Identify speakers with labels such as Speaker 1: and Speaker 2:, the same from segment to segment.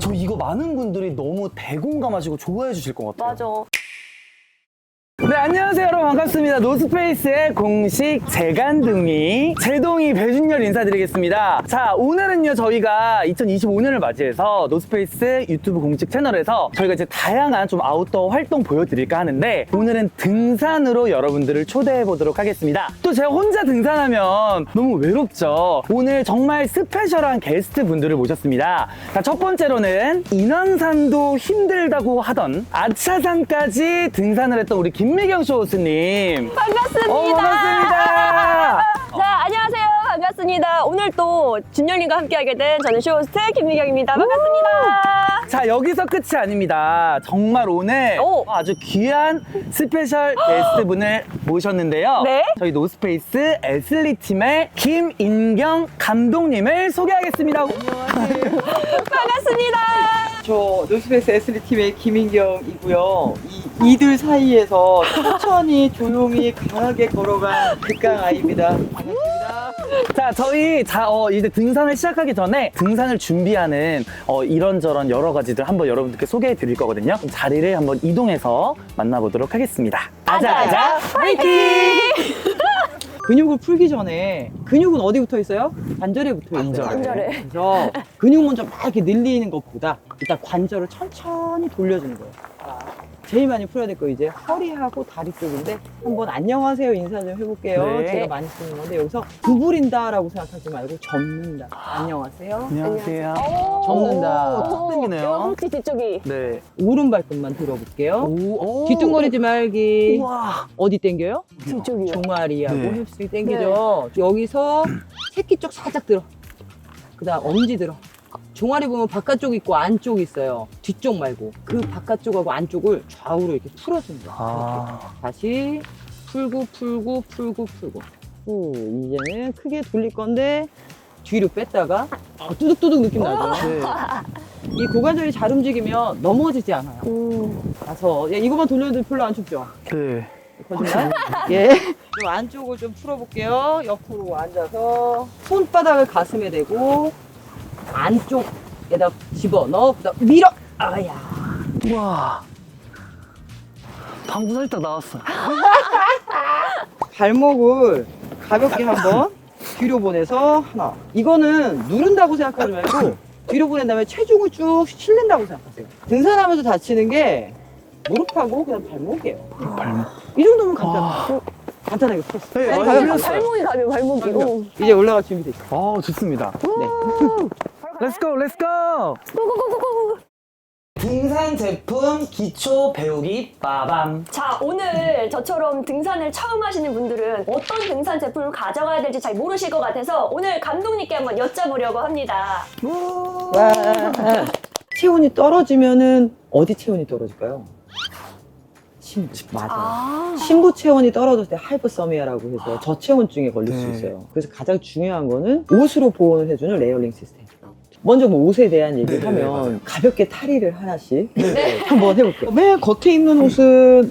Speaker 1: 저 이거 많은 분들이 너무 대공감하시고 좋아해 주실 것 같아요.
Speaker 2: 맞아.
Speaker 1: 네, 안녕하세요 여러분, 반갑습니다. 노스페이스의 공식 재간둥이 제동이 배준열 인사드리겠습니다. 자, 오늘은요 저희가 2025년을 맞이해서 노스페이스 유튜브 공식 채널에서 저희가 이제 다양한 좀 아웃도어 활동 보여드릴까 하는데, 오늘은 등산으로 여러분들을 초대해 보도록 하겠습니다. 또 제가 혼자 등산하면 너무 외롭죠. 오늘 정말 스페셜한 게스트 분들을 모셨습니다. 자, 첫 번째로는 인왕산도 힘들다고 하던 아차산까지 등산을 했던 우리 김미경 쇼호스님.
Speaker 2: 반갑습니다.
Speaker 1: 반갑습니다.
Speaker 2: 자, 안녕하세요. 반갑습니다. 오늘 또 준열님과 함께하게 된 저는 쇼호스트 김미경입니다. 반갑습니다.
Speaker 1: 자, 여기서 끝이 아닙니다. 정말 오늘
Speaker 2: 오.
Speaker 1: 아주 귀한 스페셜 게스트분을 모셨는데요.
Speaker 2: 네.
Speaker 1: 저희 노스페이스 애슬리팀의 김인경 감독님을 소개하겠습니다.
Speaker 2: 반갑습니다.
Speaker 3: 저 노스페이스 애슬리팀의 김인경이고요. 이들 사이에서 천천히 조용히 강하게 걸어간 극강 아이입니다. 반갑습니다.
Speaker 1: 자, 저희 이제 등산을 시작하기 전에 등산을 준비하는 이런저런 여러 가지들 한번 여러분들께 소개해 드릴 거거든요. 그럼 자리를 한번 이동해서 만나보도록 하겠습니다.
Speaker 2: 아자아자 화이팅!
Speaker 3: 근육을 풀기 전에 근육은 어디 붙어 있어요? 관절에 붙어 있어요.
Speaker 2: 관절에.
Speaker 3: 그래서 근육 먼저 막 이렇게 늘리는 것보다 일단 관절을 천천히 돌려주는 거예요. 제일 많이 풀어야 될 거 이제 허리하고 다리 쪽인데, 한번 안녕하세요 인사 좀 해볼게요.
Speaker 1: 네.
Speaker 3: 제가 많이 쓰는 건데, 여기서 구부린다라고 생각하지 말고 접는다. 안녕하세요.
Speaker 1: 안녕하세요.
Speaker 3: 접는다.
Speaker 1: 턱 당기네요.
Speaker 2: 허벅지 뒤쪽이.
Speaker 1: 네.
Speaker 3: 오른 발끝만 들어볼게요.
Speaker 1: 오.
Speaker 3: 뒤뚱거리지 말기.
Speaker 1: 우와.
Speaker 3: 어디 당겨요?
Speaker 2: 뒤쪽이요.
Speaker 3: 종아리하고
Speaker 1: 네.
Speaker 3: 힙스 당기죠. 여기서 새끼 쪽 살짝 들어. 그 다음 엄지 들어. 종아리 보면 바깥쪽 있고 안쪽 있어요. 뒤쪽 말고 그 바깥쪽하고 안쪽을 좌우로 이렇게 풀어주는 거예요.
Speaker 1: 아.
Speaker 3: 다시 풀고 풀고 풀고 풀고. 이제는 크게 돌릴 건데 뒤로 뺐다가 뚜둑뚜둑 느낌 나죠.
Speaker 1: 네.
Speaker 3: 이 고관절이 잘 움직이면 넘어지지 않아요. 가서 이거만 돌려도 별로 안 춥죠.
Speaker 1: 네.
Speaker 3: 거짓말? 예. 좀 안쪽을 좀 풀어볼게요. 옆으로 앉아서 손바닥을 가슴에 대고 안쪽에다 집어넣어 밀어. 아야.
Speaker 1: 우와. 방구 살짝 나왔어.
Speaker 3: 발목을 가볍게 한번 뒤로 보내서 하나. 이거는 누른다고 생각하지 말고 뒤로 보낸 다음에 체중을 쭉 실린다고 생각하세요. 등산하면서 다치는 게 무릎하고 그냥 발목이에요.
Speaker 1: 발목.
Speaker 3: 이 정도면 간단해요. 간단하게 풀었어요.
Speaker 1: 네,
Speaker 3: 아니,
Speaker 1: 맞아요.
Speaker 3: 가볍게.
Speaker 2: 발목이 가벼워, 발목이고.
Speaker 3: 이제 올라갈 준비 됐죠.
Speaker 1: 좋습니다.
Speaker 3: 네.
Speaker 1: Let's go, let's go.
Speaker 2: 고고고고고.
Speaker 1: 등산 제품 기초 배우기 빠밤.
Speaker 2: 자, 오늘 저처럼 등산을 처음 하시는 분들은 어떤 등산 제품을 가져가야 될지 잘 모르실 것 같아서 오늘 감독님께 한번 여쭤보려고 합니다.
Speaker 3: 와. 체온이 떨어지면은 어디 체온이 떨어질까요? 심부. 맞아요. 심부 체온이 떨어졌을 때 하이퍼서미아라고 해서 저체온증에 걸릴 수
Speaker 1: 네.
Speaker 3: 있어요. 그래서 가장 중요한 거는 옷으로 보온을 해주는 레이어링 시스템. 먼저 뭐 옷에 대한 얘기를
Speaker 1: 네,
Speaker 3: 하면
Speaker 1: 맞아요.
Speaker 3: 가볍게 탈의를 하나씩
Speaker 2: 네.
Speaker 3: 한번 해볼게요. 맨 겉에 입는 옷은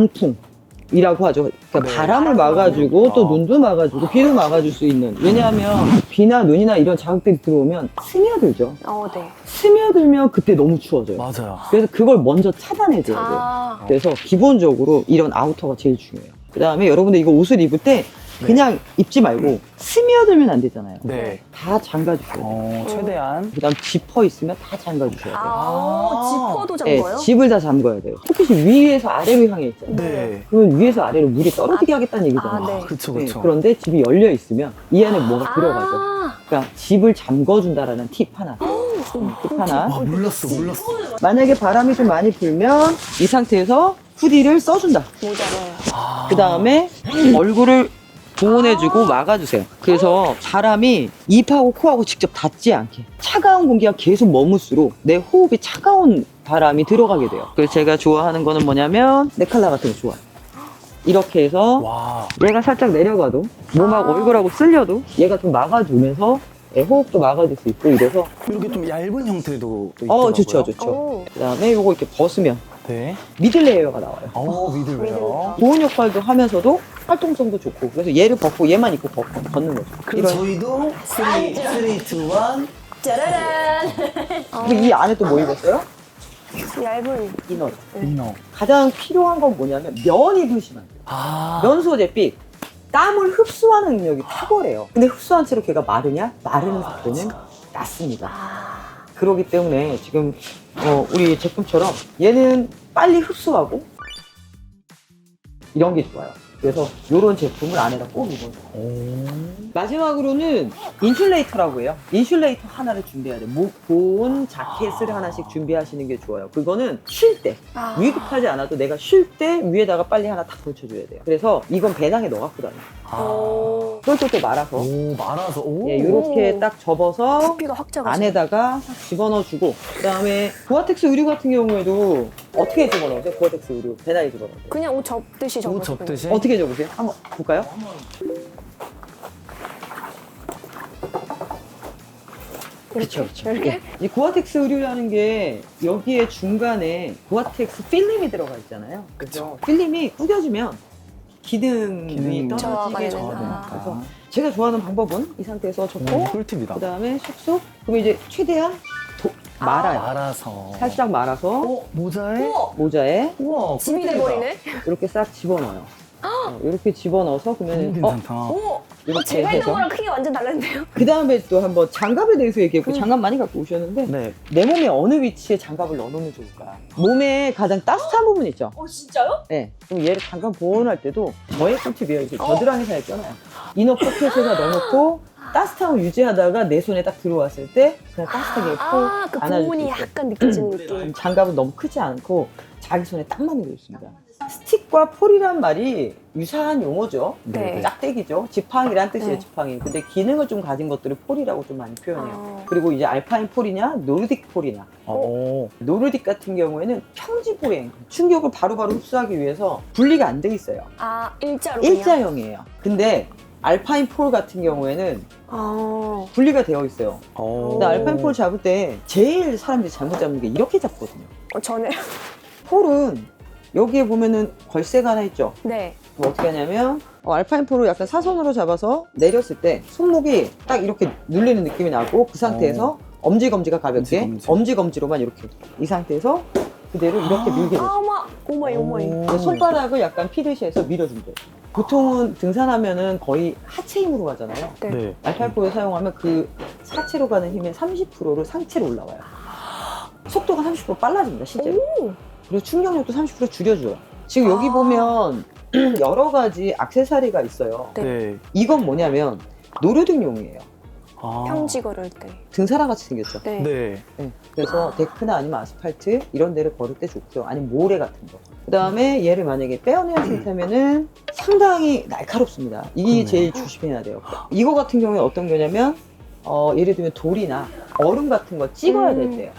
Speaker 3: 방풍이라고 하죠. 그러니까
Speaker 1: 네.
Speaker 3: 바람을 막아주고 또
Speaker 1: 아.
Speaker 3: 눈도 막아주고 비도 막아줄 수 있는. 왜냐하면 비나 눈이나 이런 자극들이 들어오면 스며들죠.
Speaker 2: 네.
Speaker 3: 스며들면 그때 너무 추워져요.
Speaker 1: 맞아요.
Speaker 3: 그래서 그걸 먼저 차단해줘야 돼요.
Speaker 2: 아,
Speaker 3: 그래서 기본적으로 이런 아우터가 제일 중요해요. 그 다음에 여러분들 이거 옷을 입을 때 그냥 입지 말고 스며들면 안 되잖아요.
Speaker 1: 네.
Speaker 3: 다 잠가주셔야 돼요.
Speaker 1: 최대한.
Speaker 3: 그 다음 지퍼 있으면 다 잠가주셔야 돼요.
Speaker 2: 지퍼도
Speaker 3: 네,
Speaker 2: 잠궈요?
Speaker 3: 집을 다 잠가야 돼요. 햇빛이 위에서 아래로 향해 있잖아요.
Speaker 1: 네.
Speaker 3: 그러면 위에서 아래로 물이 떨어지게 하겠다는 얘기잖아요.
Speaker 2: 네.
Speaker 1: 그쵸,
Speaker 3: 네,
Speaker 1: 그쵸.
Speaker 3: 그런데 집이 열려 있으면 이 안에 뭐가 들어가죠.
Speaker 2: 아,
Speaker 3: 그러니까 집을 잠궈준다라는 팁 하나. 팁 하나.
Speaker 1: 몰랐어.
Speaker 3: 만약에 바람이 좀 많이 불면 이 상태에서 후디를 써준다.
Speaker 2: 모자라요.
Speaker 3: 그 다음에 얼굴을 보온해주고 막아주세요. 그래서 사람이 입하고 코하고 직접 닿지 않게 차가운 공기가 계속 머물수록 내 호흡이 차가운 바람이 들어가게 돼요. 그래서 제가 좋아하는 거는 뭐냐면 네칼라 같은 거 좋아요. 이렇게 해서
Speaker 1: 와.
Speaker 3: 얘가 살짝 내려가도 몸하고 얼굴하고 쓸려도 얘가 좀 막아주면서 호흡도 막아줄 수 있고 이래서
Speaker 1: 이렇게 좀 얇은 형태도 또 있더라고요.
Speaker 3: 좋죠 좋죠.
Speaker 2: 오.
Speaker 3: 그 다음에 요거 이렇게 벗으면
Speaker 1: 네.
Speaker 3: 미들 레이어가 나와요.
Speaker 1: 미들웨어.
Speaker 3: 보온 역할도 하면서도 활동성도 좋고. 그래서 얘를 벗고 얘만 입고 벗는 거죠.
Speaker 1: 그럼 저희도 3, 2, 1
Speaker 2: 짜라란.
Speaker 3: 그리고 이 안에 또 뭐 입었어요?
Speaker 2: 얇은.
Speaker 3: 이너.
Speaker 1: 이너.
Speaker 3: 가장 필요한 건 뭐냐면 면 입으시면 안 돼요.
Speaker 1: 아.
Speaker 3: 면 소재빛. 땀을 흡수하는 능력이 탁월해요. 근데 흡수한 채로 걔가 마르냐? 마르는 속도는 낮습니다. 그렇기 때문에 지금 우리 제품처럼 얘는 빨리 흡수하고 이런 게 좋아요. 그래서 이런 제품을 안에다 꼭 입어요. 마지막으로는 인슐레이터라고 해요. 인슐레이터 하나를 준비해야 돼요. 보온 자켓을 하나씩 준비하시는 게 좋아요. 그거는 쉴 때 위급하지 않아도 내가 쉴 때 위에다가 빨리 하나 탁 걸쳐줘야 돼요. 그래서 이건 배낭에 넣어 갖고 다녀.
Speaker 2: 오.
Speaker 3: 그걸 또 말아서
Speaker 1: 오, 말아서. 오.
Speaker 3: 예, 이렇게 딱 접어서
Speaker 2: 부피가 확 작아져.
Speaker 3: 안에다가 싹 집어넣어주고, 그 다음에 고아텍스 의류 같은 경우에도 어떻게 집어넣으세요? 고아텍스 의류 배낭에 집어넣으세요.
Speaker 2: 그냥 옷 접듯이 접어.
Speaker 1: 옷 접듯이.
Speaker 3: 어떻게 접으세요? 한번 볼까요? 그렇죠, 그렇죠.
Speaker 2: 이렇게?
Speaker 3: 이 고아텍스 의류라는 게 여기에 중간에 고아텍스 필름이 들어가 있잖아요. 그래서 필름이 구겨지면 기능이
Speaker 1: 기능이
Speaker 3: 떨어지게
Speaker 2: 저하가
Speaker 3: 돼요.
Speaker 2: 되니까.
Speaker 3: 그래서 제가 좋아하는 방법은 이 상태에서 접고
Speaker 1: 꿀팁이다.
Speaker 3: 그 다음에 쏙쏙 그러면 이제 최대한 말아요.
Speaker 1: 말아서.
Speaker 3: 살짝 말아서
Speaker 1: 모자에?
Speaker 2: 우와.
Speaker 3: 모자에
Speaker 1: 우와.
Speaker 2: 집이
Speaker 1: 꿀팁이다.
Speaker 2: 돼버리네.
Speaker 3: 이렇게 싹 집어넣어요. 이렇게 집어넣어서 그러면
Speaker 1: 괜찮다.
Speaker 2: 오.
Speaker 3: 이렇게
Speaker 2: 제가 있는
Speaker 3: 해서
Speaker 2: 거랑 크게 완전 다른데요?
Speaker 3: 그 다음에 또 한번 장갑에 대해서 얘기했고 장갑 많이 갖고 오셨는데
Speaker 1: 네.
Speaker 3: 내 몸에 어느 위치에 장갑을 넣어놓으면 좋을까? 몸에 가장 따뜻한 부분 있죠?
Speaker 2: 진짜요?
Speaker 3: 네. 그럼 얘를 잠깐 보온할 때도 저의 꿀팁이에요. 이렇게 겨드랑이 사이에 껴놔요. 이너 포켓에다 넣어놓고 따뜻함을 유지하다가 내 손에 딱 들어왔을 때 그냥 따뜻하게
Speaker 2: 그
Speaker 3: 안아줄 수
Speaker 2: 부분이
Speaker 3: 있어요.
Speaker 2: 약간 느껴지는 느낌.
Speaker 3: 장갑은 너무 크지 않고 자기 손에 딱 맞는 게 좋습니다. 스틱과 폴이란 말이 유사한 용어죠.
Speaker 2: 네.
Speaker 3: 짝대기죠. 지팡이란 뜻이에요,
Speaker 2: 네.
Speaker 3: 지팡이. 근데 기능을 좀 가진 것들을 폴이라고 좀 많이 표현해요.
Speaker 2: 아.
Speaker 3: 그리고 이제 알파인 폴이냐, 노르딕 폴이냐.
Speaker 1: 오.
Speaker 3: 노르딕 같은 경우에는 평지 보행, 충격을 바로바로 흡수하기 위해서 분리가 안 돼 있어요.
Speaker 2: 아, 일자로 그냥?
Speaker 3: 일자형이에요. 근데 알파인 폴 같은 경우에는
Speaker 2: 아.
Speaker 3: 분리가 되어 있어요.
Speaker 1: 오.
Speaker 3: 근데 알파인 폴 잡을 때 제일 사람들이 잘못 잡는 게 이렇게 잡거든요.
Speaker 2: 전에.
Speaker 3: 폴은 여기에 보면은 걸쇠가 하나 있죠.
Speaker 2: 네.
Speaker 3: 그럼 어떻게 하냐면 알파인 폴을 약간 사선으로 잡아서 내렸을 때 손목이 딱 이렇게 눌리는 느낌이 나고 그 상태에서 엄지검지가 가볍게 엄지검지로만 이렇게 이 상태에서 그대로 이렇게 밀게 돼요.
Speaker 2: 아, 오마이.
Speaker 3: 근데 손바닥을 약간 피듯이 해서 밀어주면 돼요. 보통은 등산하면은 거의 하체 힘으로 가잖아요.
Speaker 2: 네.
Speaker 1: 네.
Speaker 3: 알파인 폴을 사용하면 그 사체로 가는 힘의 30%를 상체로 올라와요. 속도가 30% 빨라집니다, 실제로.
Speaker 2: 오.
Speaker 3: 그리고 충격력도 30% 줄여줘요. 지금 여기 보면 여러 가지 액세서리가 있어요.
Speaker 2: 네.
Speaker 1: 네.
Speaker 3: 이건 뭐냐면 노르등용이에요.
Speaker 1: 아.
Speaker 2: 평지 걸을 때.
Speaker 3: 등산화 같이 생겼죠.
Speaker 2: 네.
Speaker 1: 네.
Speaker 3: 네. 그래서 데크나 아니면 아스팔트 이런 데를 걸을 때 좋고요. 아니면 모래 같은 거. 그 다음에 얘를 만약에 빼어내는 상태면은 상당히 날카롭습니다. 이게
Speaker 1: 그러네요.
Speaker 3: 제일 조심해야 돼요. 이거 같은 경우에 어떤 거냐면 예를 들면 돌이나 얼음 같은 거 찍어야 될 때요.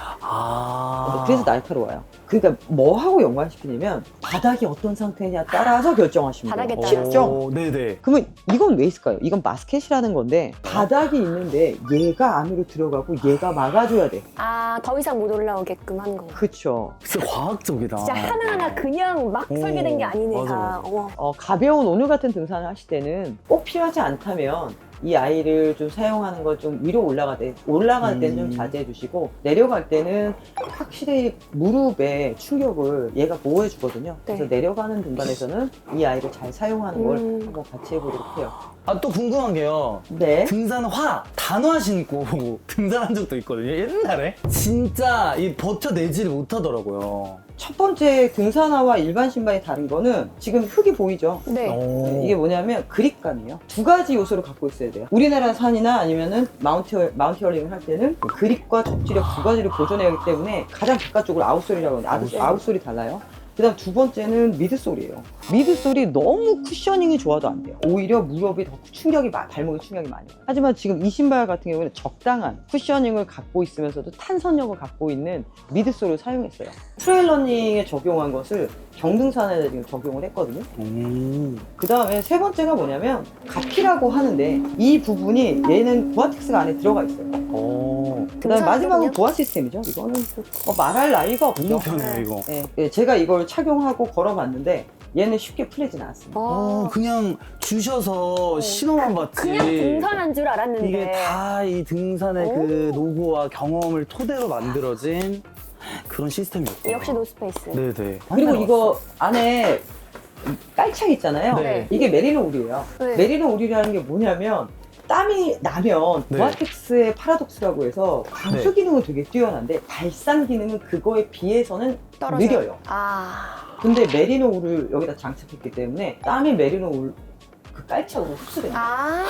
Speaker 1: 아.
Speaker 3: 그래서 날카로워요. 그러니까 뭐하고 연관시키냐면 바닥이 어떤 상태냐 따라서 결정하시면
Speaker 2: 바닥에
Speaker 3: 돼요.
Speaker 2: 따라서.
Speaker 3: 쉽죠?
Speaker 1: 네네.
Speaker 3: 그러면 이건 왜 있을까요? 이건 마스켓이라는 건데 바닥이 있는데 얘가 안으로 들어가고 얘가 막아줘야 돼.
Speaker 2: 아, 더 이상 못 올라오게끔 하는 건가?
Speaker 3: 그쵸.
Speaker 1: 진짜 과학적이다.
Speaker 2: 진짜 하나하나 그냥 막 설계된 게 아니네,
Speaker 1: 맞아,
Speaker 2: 다.
Speaker 1: 맞아.
Speaker 3: 가벼운 오늘 같은 등산을 하실 때는 꼭 필요하지 않다면 이 아이를 좀 사용하는 걸 좀 위로 올라갈 때는 좀 자제해 주시고 내려갈 때는 확실히 무릎에 충격을 얘가 보호해 주거든요. 그래서
Speaker 2: 네.
Speaker 3: 내려가는 공간에서는 이 아이를 잘 사용하는 걸
Speaker 2: 음.
Speaker 3: 한번 같이 해보도록 해요.
Speaker 1: 아, 또 궁금한 게요.
Speaker 3: 네.
Speaker 1: 등산화 단화 신고 등산한 적도 있거든요. 옛날에. 진짜 이 버텨내지를 못하더라고요.
Speaker 3: 첫 번째 등산화와 일반 신발이 다른 거는 지금 흙이 보이죠?
Speaker 2: 네.
Speaker 1: 오.
Speaker 3: 이게 뭐냐면 그립감이에요. 두 가지 요소를 갖고 있어야 돼요. 우리나라 산이나 아니면은 마운티어링을 할 때는 그립과 접지력 두 가지를 보존해야 하기 때문에 가장 바깥쪽으로 아웃솔이라고 하는데 아웃솔이 달라요. 그 다음 두 번째는 미드솔이에요. 미드솔이 너무 쿠셔닝이 좋아도 안 돼요. 오히려 무릎이 더 발목에 충격이 많이 와요. 하지만 지금 이 신발 같은 경우는 적당한 쿠셔닝을 갖고 있으면서도 탄선력을 갖고 있는 미드솔을 사용했어요. 트레일 러닝에 적용한 것을 경등산에 지금 적용을 했거든요. 그 다음에 세 번째가 뭐냐면 가피라고 하는데 이 부분이 얘는 고아텍스가 안에 들어가 있어요.
Speaker 1: 오.
Speaker 3: 그 다음에 마지막은
Speaker 2: 등산하거든요?
Speaker 3: 보아 시스템이죠. 이거는 말할 나위가 없죠.
Speaker 1: 너무 편해요, 이거.
Speaker 3: 네, 제가 이걸 착용하고 걸어봤는데 얘는 쉽게 풀리진 않습니다.
Speaker 1: 그냥 주셔서 신호만 받지.
Speaker 2: 그냥 등산한 줄 알았는데.
Speaker 1: 이게 다 이 등산의 그 노고와 경험을 토대로 만들어진 그런 시스템이었고.
Speaker 2: 역시 노스페이스.
Speaker 1: 네네.
Speaker 3: 그리고 이거 안에 깔창 있잖아요.
Speaker 1: 네.
Speaker 3: 이게 메리노 울이에요.
Speaker 2: 네.
Speaker 3: 메리노 울이라는 게 뭐냐면 땀이 나면
Speaker 1: 네.
Speaker 3: 보아텍스의 파라독스라고 해서 방수
Speaker 1: 네.
Speaker 3: 기능은 되게 뛰어난데 발산 기능은 그거에 비해서는
Speaker 2: 떨어져요.
Speaker 3: 느려요. 근데 메리노 울을 여기다 장착했기 때문에 땀이 메리노 울 그 깔창으로 흡수됩니다.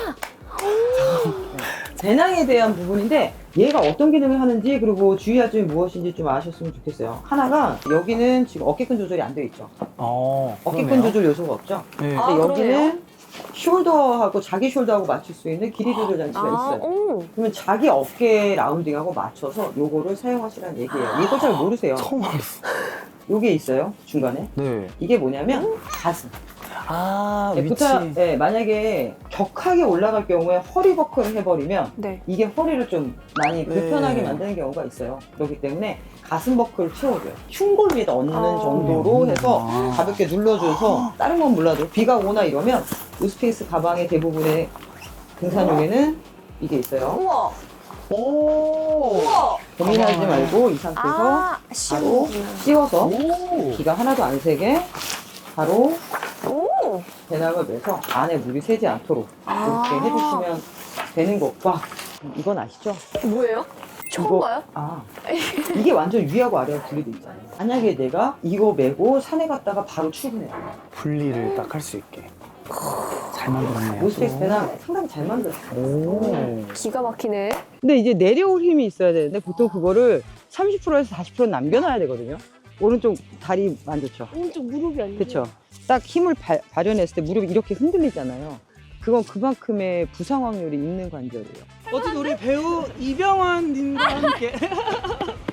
Speaker 3: 배낭에 대한 부분인데 얘가 어떤 기능을 하는지 그리고 주의할 점이 무엇인지 좀 아셨으면 좋겠어요. 하나가 여기는 지금 어깨끈 조절이 안 되어 있죠. 어깨끈
Speaker 1: 그러네요.
Speaker 3: 조절 요소가 없죠.
Speaker 1: 네.
Speaker 3: 근데
Speaker 2: 그러네요.
Speaker 3: 여기는 숄더하고 자기 숄더하고 맞출 수 있는 길이 조절 장치가 있어요. 그러면 자기 어깨 라운딩하고 맞춰서 요거를 사용하시라는 얘기예요. 이거 잘 모르세요.
Speaker 1: 처음 알았어.
Speaker 3: 요게 있어요 중간에.
Speaker 1: 네.
Speaker 3: 이게 뭐냐면 가슴.
Speaker 1: 위치.
Speaker 3: 만약에 격하게 올라갈 경우에 허리 버클을 해버리면
Speaker 2: 네.
Speaker 3: 이게 허리를 좀 많이
Speaker 1: 네.
Speaker 3: 불편하게 만드는 경우가 있어요. 그렇기 때문에 가슴 버클을 채워줘요. 흉골 위에다 얹는
Speaker 2: 아.
Speaker 3: 정도로 해서 가볍게 눌러줘서 다른 건 몰라도 비가 오나 이러면 노스페이스 가방의 대부분의 등산용에는 이게 있어요.
Speaker 2: 우와.
Speaker 1: 오.
Speaker 2: 우와.
Speaker 3: 고민하지 말고 이 상태에서 바로
Speaker 2: 씌우는구나.
Speaker 3: 씌워서
Speaker 1: 오.
Speaker 3: 비가 하나도 안 새게 바로
Speaker 2: 오.
Speaker 3: 배낭을 매서 안에 물이 새지 않도록 이렇게 해주시면 되는 것과 이건 아시죠?
Speaker 2: 뭐예요? 처음 봐요?
Speaker 3: 이게 완전 위하고 아래가 분리돼 있잖아요. 만약에 내가 이거 메고 산에 갔다가 바로 출근해요.
Speaker 1: 분리를 딱 할 수 있게. 잘 만들었네요.
Speaker 3: 노스페이스 배낭 상당히 잘 만들었어요.
Speaker 1: 오.
Speaker 2: 기가 막히네.
Speaker 3: 근데 이제 내려올 힘이 있어야 되는데 보통 그거를 30%에서 40% 남겨놔야 되거든요. 오른쪽 다리 안 좋죠?
Speaker 2: 오른쪽 무릎이 아니고.
Speaker 3: 그렇죠. 딱 힘을 발현했을 때 무릎이 이렇게 흔들리잖아요. 그건 그만큼의 부상 확률이 있는 관절이에요.
Speaker 1: 어쨌든 우리 배우 이병헌 님과 함께